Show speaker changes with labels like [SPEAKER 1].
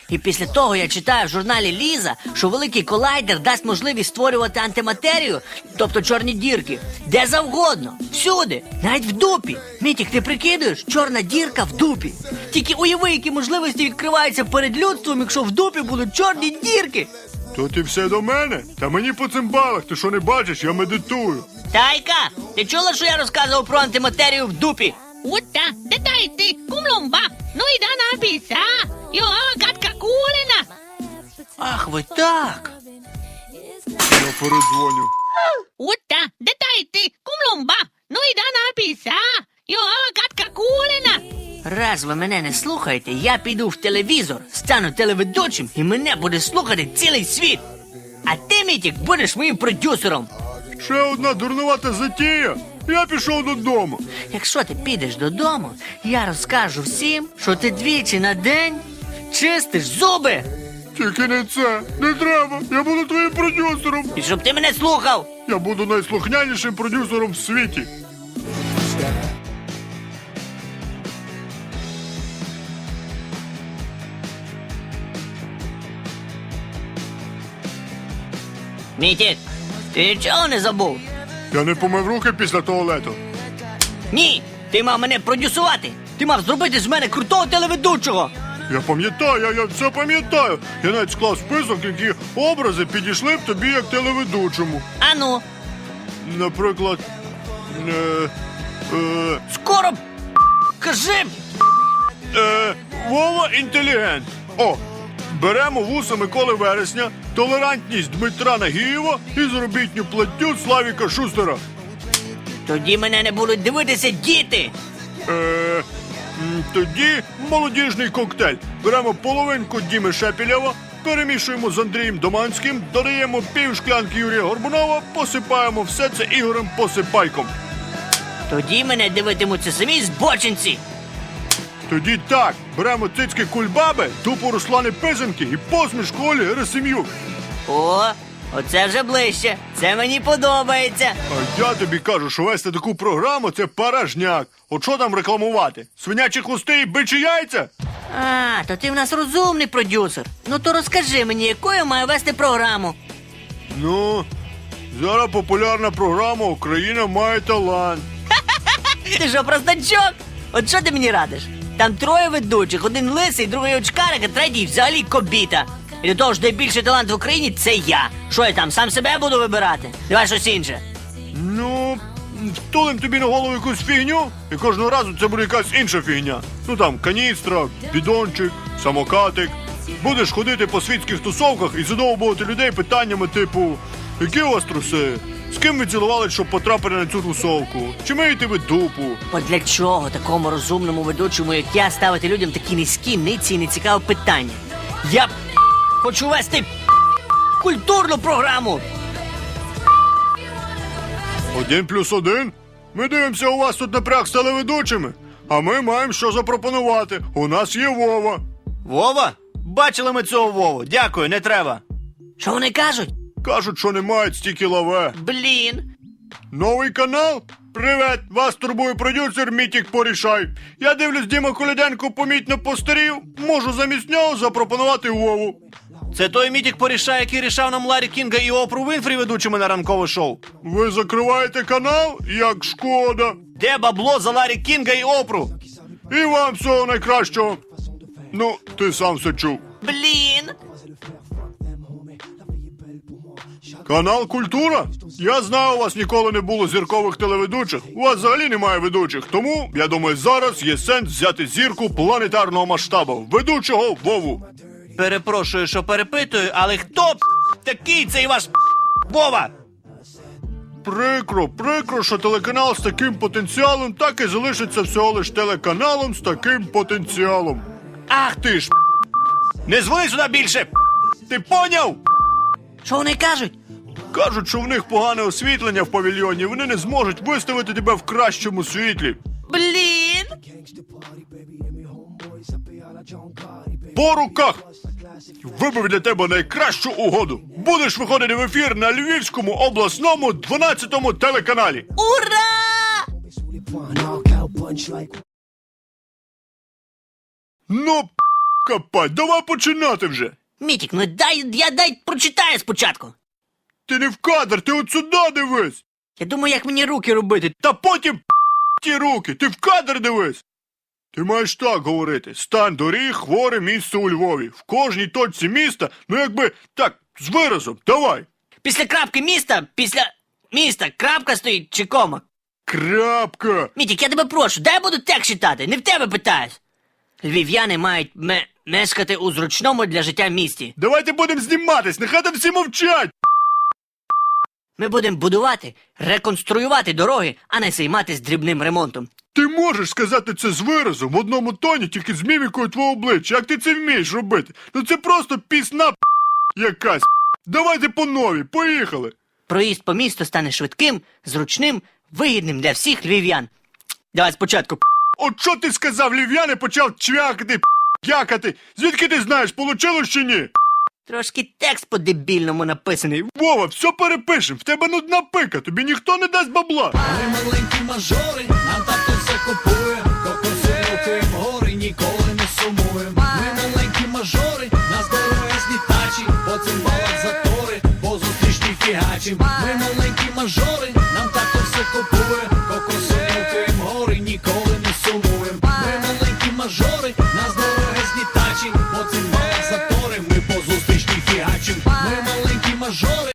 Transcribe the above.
[SPEAKER 1] І після того я читаю в журналі Ліза, що великий колайдер дасть можливість створювати антиматерію, тобто чорні дірки, де завгодно, всюди, навіть в дупі. Мітік, ти прикидуєш? Чорна дірка в дупі. Тільки уяви, які можливості відкриваються перед людством, якщо в дупі будуть чорні дірки.
[SPEAKER 2] То ти все до мене? Та мені по цимбалах, ти що не бачиш, я медитую.
[SPEAKER 1] Тайка, ти чула, що я розказував про антиматерію в дупі?
[SPEAKER 3] Uutta, tätä itti kumlumba, noidana pisa, jo katka kuulena.
[SPEAKER 1] Ах, ви так.
[SPEAKER 2] Я передзвоню.
[SPEAKER 3] Uutta, tätä itti kumlumba, noidana pisa, jo katka kuulena.
[SPEAKER 1] Раз ви мене не слухаєте, я піду в телевізор, стану телеведучим і мене буде слухати цілий світ. А ти, Мітік, будеш моїм продюсером.
[SPEAKER 2] Ще одна дурнувата затія. Я пішов додому.
[SPEAKER 1] Якщо ти підеш додому, я розкажу всім, що ти двічі на день чистиш зуби.
[SPEAKER 2] Тільки не це. Не треба. Я буду твоїм продюсером.
[SPEAKER 1] І щоб ти мене слухав.
[SPEAKER 2] Я буду найслухнянішим продюсером в світі.
[SPEAKER 1] Мітік, ти нічого не забув?
[SPEAKER 2] Я не помив руки після туалету.
[SPEAKER 1] Ні, ти мав мене продюсувати. Ти мав зробити з мене крутого телеведучого.
[SPEAKER 2] Я пам'ятаю, я все пам'ятаю. Я навіть склав список, які образи підійшли б тобі як телеведучому.
[SPEAKER 1] Ану,
[SPEAKER 2] Наприклад,
[SPEAKER 1] скоро кажи.
[SPEAKER 2] Вова інтелігент. О, беремо вуса Миколи Вересня, толерантність Дмитра Нагієва і заробітню платтю Славіка Шустера.
[SPEAKER 1] Тоді мене не будуть дивитися діти.
[SPEAKER 2] Тоді молодіжний коктейль. Беремо половинку Діми Шепілєва, перемішуємо з Андрієм Доманським, додаємо пів шклянки Юрія Горбунова, посипаємо все це Ігорем Посипайком.
[SPEAKER 1] Тоді мене дивитимуться самі збочинці.
[SPEAKER 2] Тоді так, беремо цицьки Кульбаби, тупо Руслани Писанки і посмішку Олі Герасим'юк.
[SPEAKER 1] О, оце вже ближче. Це мені подобається.
[SPEAKER 2] А я тобі кажу, що вести таку програму – це порожняк. От що там рекламувати? Свинячі хвости і бичі яйця?
[SPEAKER 1] А, то ти в нас розумний продюсер. Ну то розкажи мені, якою маю вести програму.
[SPEAKER 2] Ну, зараз популярна програма «Україна має талант».
[SPEAKER 1] Ти що, простачок? От що ти мені радиш? Там троє ведучих, один лисий, другий очкарик, а третій взагалі кобіта. І до того ж, найбільший талант в Україні – це я. Що я там, сам себе буду вибирати? Давай щось інше.
[SPEAKER 2] Ну, втулим тобі на голову якусь фігню, і кожного разу це буде якась інша фігня. Ну там, каністра, бідончик, самокатик. Будеш ходити по світських тусовках і задовбувати людей питаннями типу: які у вас труси? З ким ви цілували, щоб потрапити на цю тусовку? Чи миєте ви дупу?
[SPEAKER 1] От для чого такому розумному ведучому, як я, ставити людям такі низькі, ниці і нецікаві питання? Я хочу вести культурну програму.
[SPEAKER 2] 1+1? Ми дивимося, у вас тут напряг з телеведучими. А ми маємо що запропонувати. У нас є Вова.
[SPEAKER 4] Вова? Бачили ми цього Вову. Дякую, не треба.
[SPEAKER 1] Що вони кажуть?
[SPEAKER 2] Кажуть, що не мають стільки лаве.
[SPEAKER 1] Блін.
[SPEAKER 2] Новий канал? Привет! Вас турбує продюсер Мітік Порішай. Я дивлюсь, Діма Коляденко помітно постарів. Можу замість нього запропонувати Вову.
[SPEAKER 4] Це той Мітік Порішай, який рішав нам Ларі Кінга і Опру Вінфрі ведучими на ранкове шоу.
[SPEAKER 2] Ви закриваєте канал? Як шкода.
[SPEAKER 4] Де бабло за Ларі Кінга і Опру?
[SPEAKER 2] І вам всього найкращого. Ну, ти сам все чув.
[SPEAKER 1] Блін.
[SPEAKER 2] Канал Культура? Я знаю, у вас ніколи не було зіркових телеведучих. У вас взагалі немає ведучих. Тому, я думаю, зараз є сенс взяти зірку планетарного масштабу. Ведучого Вову.
[SPEAKER 4] Перепрошую, що перепитую, але хто такий цей ваш Вова?
[SPEAKER 2] Прикро, що телеканал з таким потенціалом так і залишиться всього лиш телеканалом з таким потенціалом.
[SPEAKER 4] Ах ти ж! Не дзвони сюди більше! Ти поняв?
[SPEAKER 1] Що вони кажуть?
[SPEAKER 2] Кажуть, що в них погане освітлення в павільйоні, вони не зможуть виставити тебе в кращому світлі.
[SPEAKER 1] Блін.
[SPEAKER 2] По руках! Вибив для тебе найкращу угоду. Будеш виходити в ефір на Львівському обласному 12-му телеканалі.
[SPEAKER 1] Ура!
[SPEAKER 2] Ну, Капать, давай починати вже.
[SPEAKER 1] Мітік, ну дай прочитаю спочатку.
[SPEAKER 2] Ти не в кадр, ти от сюди дивись.
[SPEAKER 1] Я думаю, як мені руки робити.
[SPEAKER 2] Та потім ті руки, ти в кадр дивись. Ти маєш так говорити. Стан доріг, хворе місце у Львові. В кожній точці міста, ну якби так, з виразом, давай.
[SPEAKER 1] Після крапки після міста крапка стоїть чи кома?
[SPEAKER 2] Крапка.
[SPEAKER 1] Мітік, я тебе прошу, дай я буду текст читати, не в тебе питаюсь. Львів'яни мають мешкати у зручному для життя місті.
[SPEAKER 2] Давайте будемо зніматись, нехай там всі мовчать.
[SPEAKER 1] Ми будемо будувати, реконструювати дороги, а не займатися дрібним ремонтом.
[SPEAKER 2] Ти можеш сказати це з виразом в одному тоні, тільки з мімікою твого обличчя. Як ти це вмієш робити? Ну це просто пісна якась. Давайте по новій, поїхали.
[SPEAKER 1] Проїзд по місту стане швидким, зручним, вигідним для всіх львів'ян. Давай спочатку.
[SPEAKER 2] От що ти сказав, львів'яни почав чвякати, якати. Звідки ти знаєш, получилось чи ні?
[SPEAKER 1] Трошки текст по-дебільному написаний.
[SPEAKER 2] Вова, все перепишем, в тебе нудна пика, тобі ніхто не дасть бабла.
[SPEAKER 5] Ми маленькі мажори, нам тато все купує, кокоси рухаємо гори, ніколи не сумуєм. Ми маленькі мажори, нас дорогезні тачі, по цим балах затори, по зустрічні фігачим. Ми